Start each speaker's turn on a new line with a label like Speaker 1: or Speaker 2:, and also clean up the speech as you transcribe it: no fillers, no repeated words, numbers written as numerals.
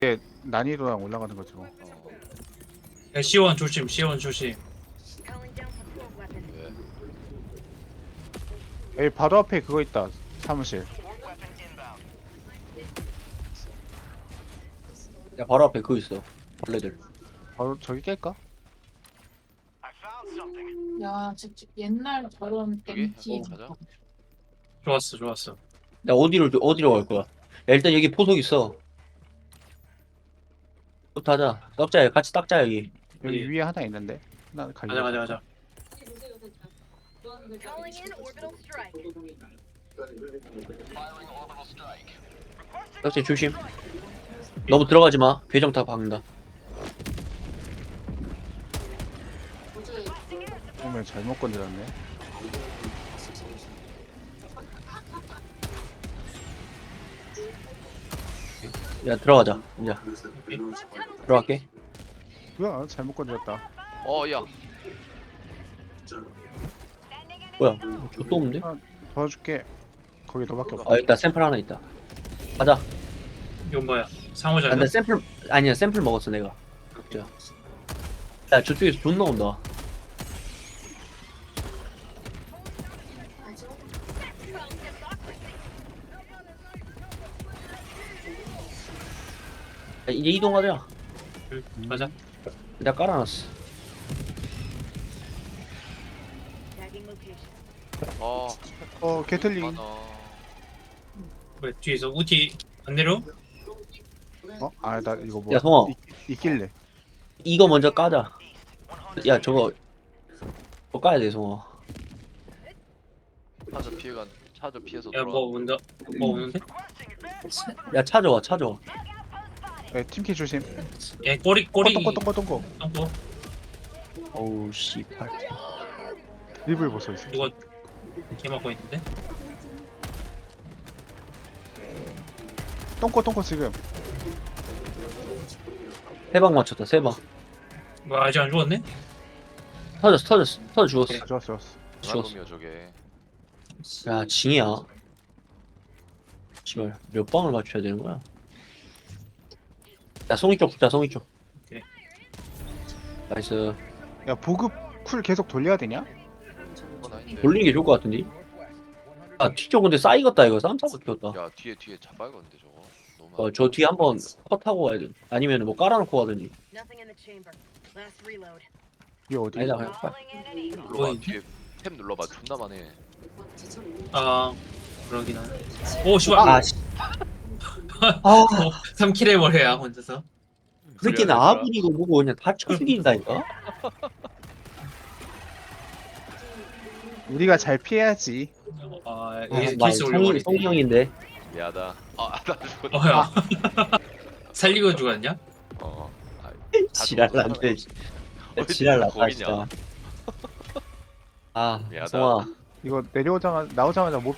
Speaker 1: 이게 난이도랑 올라가는 거지 뭐.
Speaker 2: 야, C1 조심, C1 조심.
Speaker 3: 왜?
Speaker 1: 여기 바로 앞에 그거 있다. 사무실.
Speaker 4: 야 바로 앞에 그거 있어. 벌레들.
Speaker 1: 바로 저기 깰까?
Speaker 3: 야, 진짜 옛날 저런
Speaker 5: 여기?
Speaker 3: 벤티.
Speaker 5: 가자.
Speaker 2: 좋았어, 좋았어.
Speaker 4: 야 어디로 갈 거야? 야, 일단 여기 포석 있어. 또 타자. 썩자 같이 닦자 여기.
Speaker 1: 여기
Speaker 2: 어디?
Speaker 1: 위에 하나 있는데. 하나
Speaker 2: 가자, 가자, 가자.
Speaker 6: Calling in orbital strike.
Speaker 4: 썩자 조심. 너무 들어가지 마. 배정 다 박는다.
Speaker 1: 그러면 잘못 건드렸네.
Speaker 4: 야 들어가자. 이제 들어갈게.
Speaker 1: 뭐야? 잘못 건드렸다.
Speaker 5: 야.
Speaker 4: 뭐야? 저또 없는데?
Speaker 1: 도와줄게. 거기 너밖에 없어.
Speaker 4: 아 있다. 샘플 하나 있다. 가자.
Speaker 2: 이건 뭐야? 상호자.
Speaker 4: 근데 샘플 아니야. 샘플 먹었어 내가. 각자. 야 저쪽에서 존나 온다. 야, 이제 이동하자.
Speaker 2: 가자.
Speaker 4: 내가 깔아놨어.
Speaker 6: Tagging location.
Speaker 1: 게틀링.
Speaker 5: 많아.
Speaker 2: 왜 뒤에서 우티 안 내려?
Speaker 1: 나 이거 뭐
Speaker 4: 야 성아,
Speaker 1: 있길래.
Speaker 4: 이거 먼저 까자. 야 저거 까야 돼 성아.
Speaker 5: 차저 피해서
Speaker 2: 야,
Speaker 5: 돌아.
Speaker 2: 뭐 온다. 뭐 오는데?
Speaker 4: 야 찾아와 찾아와.
Speaker 1: 팀키 조심.
Speaker 2: 야, 꼬리.
Speaker 1: 똥꼬.
Speaker 2: 똥꼬.
Speaker 4: 어우 씨발.
Speaker 1: 입을 벗어 있어.
Speaker 2: 이거 개 맞고 있는데?
Speaker 1: 똥꼬 지금.
Speaker 4: 세 방 맞췄다 세 방.
Speaker 2: 뭐 아직 안 죽었네?
Speaker 4: 터져 죽었어.
Speaker 1: 좋았어.
Speaker 4: 죽었어.
Speaker 5: 놈이야 저게.
Speaker 4: 야 징이야. 씨발 몇 방을 맞춰야 되는 거야? 야 송이 쪽 붙자 송이 쪽.
Speaker 2: 오케이.
Speaker 4: 나이스.
Speaker 1: 야 보급 쿨 계속 돌려야 되냐?
Speaker 5: 그건 아닌데.
Speaker 4: 돌리는 게 좋을 것 같은데? 아 뒤쪽 근데 싸이겠다 이거 쌈싸고 키웠다.
Speaker 5: 야 뒤에 자빨건데 저거. 너무.
Speaker 4: 저 뒤에 한번 컷하고 가야 돼. 아니면 뭐 깔아놓고 가든지.
Speaker 6: Nothing in the chamber. Last reload.
Speaker 1: 이게 어디?
Speaker 4: 아니다 그냥 빨리.
Speaker 6: Calling in an eagle.
Speaker 5: 눌러봐
Speaker 2: 어이.
Speaker 5: 뒤에 탭 눌러봐 존나 많네.
Speaker 2: 아, 그러긴 하네. 오, 씨발.
Speaker 4: 아 씨. 아
Speaker 2: 3킬 해버려야 혼자서.
Speaker 4: 그 새끼는 아군이고 뭐고 그냥 다 쳐 죽인다니까?
Speaker 1: 우리가 잘 피해야지.
Speaker 2: 아,
Speaker 4: 아,
Speaker 2: 에이스 올려버리네.
Speaker 4: 성이 형인데.
Speaker 5: 미안하다. 나 죽었다.
Speaker 2: 어야. 살리고 죽었냐?
Speaker 5: 다
Speaker 4: 지랄난데.
Speaker 5: 어디
Speaker 4: 지랄났다
Speaker 5: 거기냐?
Speaker 4: 진짜. 아
Speaker 5: 미안하다.
Speaker 4: 성아.
Speaker 1: 이거 나오자마자 몹